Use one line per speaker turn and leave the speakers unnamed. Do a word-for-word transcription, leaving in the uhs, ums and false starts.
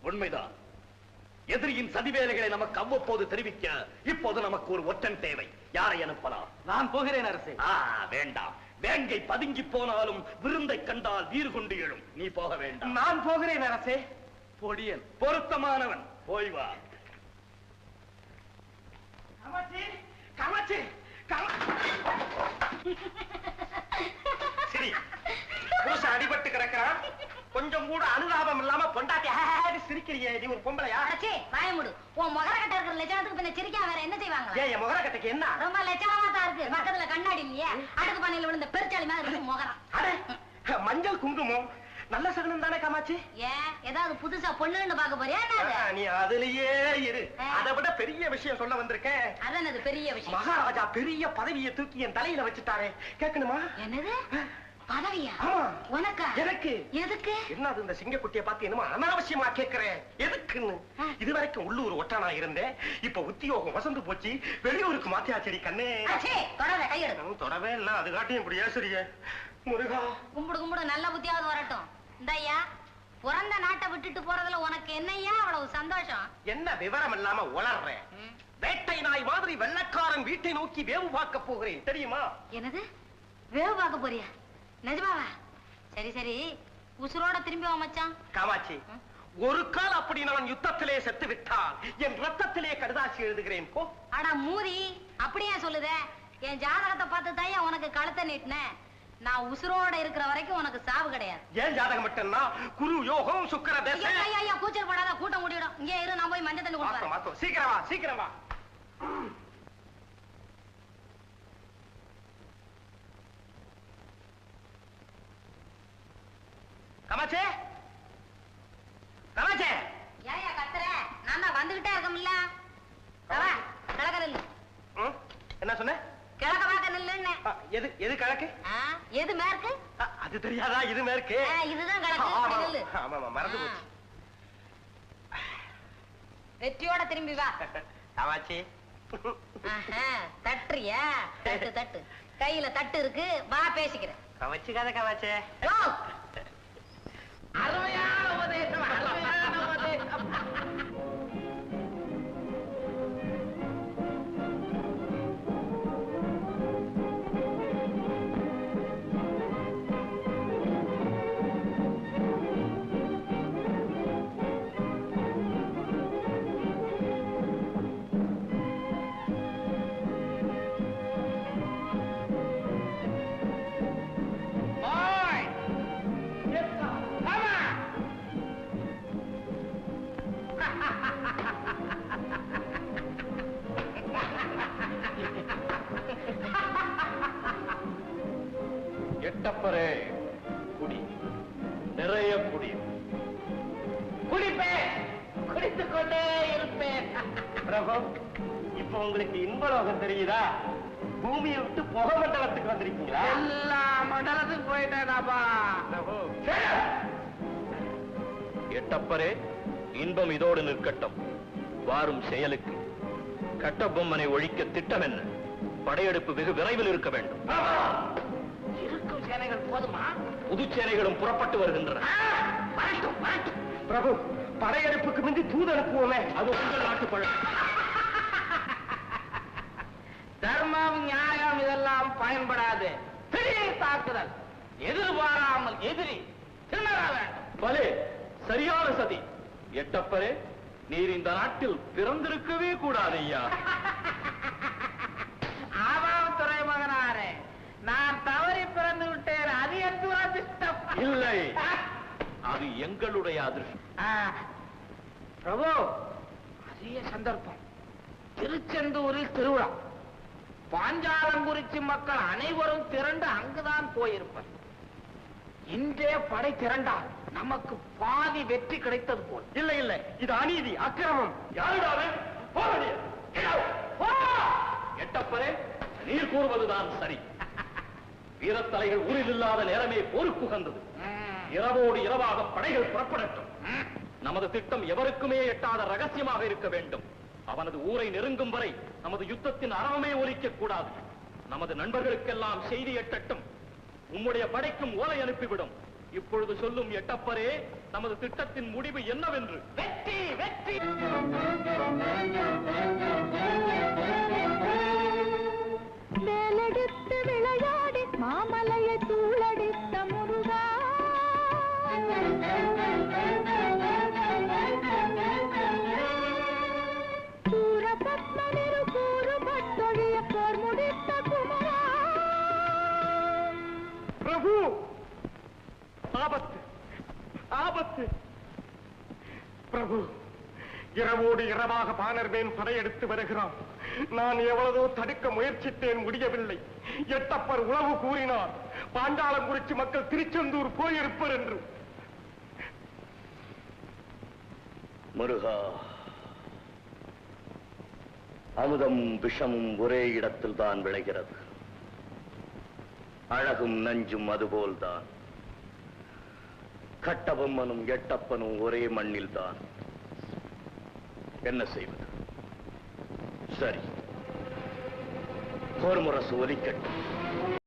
உண்மைதான். எதிரியின் சதிவேலைகளை நமக்கு அவ்வப்போது தெரிவிக்க இப்போது நமக்கு ஒரு ஒற்றன் தேவை. யாரை அனுப்பலாம்?
நான் போகிறேன் அரசே.
வேண்டாம். வேங்கை பதுங்கி போனாலும் விருந்தை கண்டால் வீறு கொண்டு எழும். நீ போக வேண்டாம்.
நான் போகிறேன் அரசே. பொடியன்
பொருத்தமானவன். போய் வா.
காமாட்சி, காமாட்சி,
சரி, புருஷன் அடிபட்டு கிடக்கிறான். கொஞ்சம் கூட அனுதாபம் இல்லாம பொண்டாட்டி சிரிக்கிறியே. நீ ஒரு பொம்பளையா?
வாய மூடு. உன் முகரக்கட்டை இருக்கிற லட்சணத்துக்கு பின்ன சிரிக்கா வேற என்ன செய்வாங்க?
ஏன் என் முகரக்கட்டைக்கு என்ன?
ரொம்ப லட்சணமா தான் இருக்கு. பக்கத்துல கண்ணாடி இல்லையே, அடுக்கு பானையில விழுந்த பெருச்சாளி மாதிரி இருக்கு முகரம்.
அடே, மஞ்சள் குங்குமம் நல்ல சகுனம் தானே காமாட்சி?
ஏன் ஏதாவது புதுசா பொண்ணுன்னு பாக்க போறியா?
நீ அதுலயே இரு. அதை விட பெரிய விஷயம் சொல்ல வந்திருக்கேன்.
அதான் பெரிய விஷயம்.
மகாராஜா பெரிய பதவியை தூக்கி என் தலையில வச்சுட்டாரே. கேட்கணுமா?
என்னது பதவியா?
உனக்கா? எனக்கு.
எதுக்கு?
என்னது இந்த சிங்கக்குட்டியை பார்த்து என்னமோ அனாவசியமா கேட்கிறேன். எதுக்குன்னு? இதுவரைக்கும் உள்ளூர் ஒற்றனா இருந்தேன். இப்ப உத்தியோகம் வசந்து போச்சு. வெளியூருக்கு மாத்தியாச்சேரி கண்ணே.
தொடர கையெடு.
தொடவே இல்ல. அது காட்டியும் இப்படி ஏசுறிய. முருகா,
கும்பிடு கும்பிடு. நல்ல புத்தியாவது வரட்டும். இந்தய்யா, பிறந்த நாட்டை விட்டுட்டு போறதுல உனக்கு என்னையா அவ்வளவு சந்தோஷம்?
என்ன விவரம் இல்லாம உளர்றேன். வேட்டை நாய் மாதிரி வெள்ளக்காரன் வீட்டை நோக்கி வேவு பார்க்க போகிறேன். தெரியுமா?
என்னது வேவு பார்க்க போறியா? நிஜமாவா? சரி சரி, உசுரோட திரும்பி வா மச்சான்.
காமாட்சி, ஒரு கால் அப்படி நான் யுத்தத்திலே செத்து விட்டால் என் ரத்தத்திலே கடுதாசி எழுதுகிறேன். போ.
அடா மூதி, அப்படியே சொல்லுதே. என் ஜாதகத்தை பார்த்து தான் உனக்கு கழுத்தை நீட்டினேன். நான் உசுரோட இருக்கிற வரைக்கும் உனக்கு சாவு கிடையாது.
ஏன் ஜாதகம் மட்டும்னா? குரு யோகம் சுக்கிர தசை.
ஐயா ஐயா, கூச்சல் போடாத, கூட்டம் கூட்டிடும். இங்கே இரு, நான் போய் மஞ்சள் தண்ணி கொடுப்பேன்.
மாத்தோ, சீக்கிரம் வா, சீக்கிரம் வா. காமாட்சி, காமாட்சி.
ஏயா கத்துற? நான் தான் வந்துகிட்டே இருக்கமில்ல. வா, கிழக்க நில்லு.
என்ன சொன்ன?
கிழக்க பார்க்க நில்லுன்னு.
எது எது கிழக்கு?
எது மேற்கு?
அது தெரியாதா? இது மேற்கு.
இதுதான் கிழக்கு. நில்லு.
ஆமா, மறந்து போச்சு.
வெற்றியோட திரும்பி வா.
காமாட்சி,
தட்டுறியா? தட்டு தட்டு. கையில தட்டு இருக்கு, வா பேசிக்கிறேன்.
கவச்சுக்காத காமாட்சி.
அருமையான உபதேசம், அருமையான உபதேசம்.
எட்டப்பரே, குடி, நிறைய குடி.
குடிப்பேன், குடித்துக் கொண்டே இருப்பேன்.
பிரபு, இப்ப உங்களுக்கு இன்பலோகம் தெரியுதா? பூமியை விட்டு புக மண்டலத்துக்கு வந்திருக்கீங்களா?
எல்லா மண்டலத்துக்கு போயிட்டேனாப்பா.
எட்டப்பரே, இன்பம் இதோடு நிற்கட்டும். வாரும் செயலுக்கு. கட்டபொம்மனை ஒழிக்க திட்டம் என்ன? படையெடுப்பு வெகு விரைவில் இருக்க வேண்டும்.
இருக்கும் சேனைகள் போதுமா?
புது சேனைகளும் புறப்பட்டு வருகின்றன.
பிரபு, படையெடுப்புக்கு முந்தி தூது அனுப்புவோமே.
அது உங்கள் நாட்டு பழம்.
தர்மம் நியாயம் இதெல்லாம் பயன்படாது. திடீர் தாக்குதல், எதிர்பாராமல் எதிரி திணற வேண்டும்.
பலே, சரியான சதி. எட்டப்பரே, நீர் இந்த நாட்டில் பிறந்திருக்கவே கூடாது ஐயா.
ஆமாம் துறைமகனாரே, நான் தவறி பிறந்து விட்டேன். அது என் துரதிர்ஷ்டம்.
இல்லை, அது எங்களுடைய அதிர்ஷ்டம்.
பிரபு, அரிய சந்தர்ப்பம். திருச்செந்தூரில் திருவிழா. பாஞ்சாலங்குறிச்சி மக்கள் அனைவரும் திரண்டு அங்குதான் போயிருப்பர். இன்றே படை திரண்டால் நமக்கு பாதி வெற்றி கிடைத்தது போல்.
இல்லை இல்லை, இது அநீதி, அக்கிரமம். யாருடாவே?
எட்டப்பரே, நீர் கூறுவதுதான் சரி. வீரத்தலைகள் ஊரில் இல்லாத நேரமே போருக்கு உகந்தது. இரவோடு இரவாக படைகள் புறப்படட்டும். நமது திட்டம் எவருக்குமே எட்டாத ரகசியமாக இருக்க வேண்டும். அவனது ஊரை நெருங்கும் வரை நமது யுத்தத்தின் அறவமே ஒலிக்க கூடாது. நமது நண்பர்களுக்கெல்லாம் செய்தி எட்டட்டும். உம்முடைய படைக்கும் ஓலை அனுப்பிவிடும். இப்பொழுது சொல்லும் எட்டப்பரே, நமது திட்டத்தின் முடிவு என்னவென்று?
வெற்றி வெற்றி.
மேலெடுத்து விளையாடி மாமலையை தூளடித்த முருகா, சூரபத்மனிரு கூறுபட்டொழிய போர் முடித்த குமரா.
பிரபு, ஆபத்து ஆபத்து. பிரபு, இரவோடு இரவாக பாணர்மேன் படையெடுத்து வருகிறான். நான் எவ்வளவோ தடுக்க முயற்சித்தேன், முடியவில்லை. எட்டப்பர் உளவு கூறினார், பாண்டாளங்குறிச்சி மக்கள் திருச்செந்தூர் போயிருப்பர் என்று.
முருகா, அமுதம் விஷமும் ஒரே இடத்தில் தான் விளைகிறது. அழகும் நஞ்சும் அதுபோல்தான். கட்டபொம்மனும் எட்டப்பனும் ஒரே மண்ணில் தான். என்ன செய்வது? சரி, போர் முரசு ஒலிக்கட்டும்.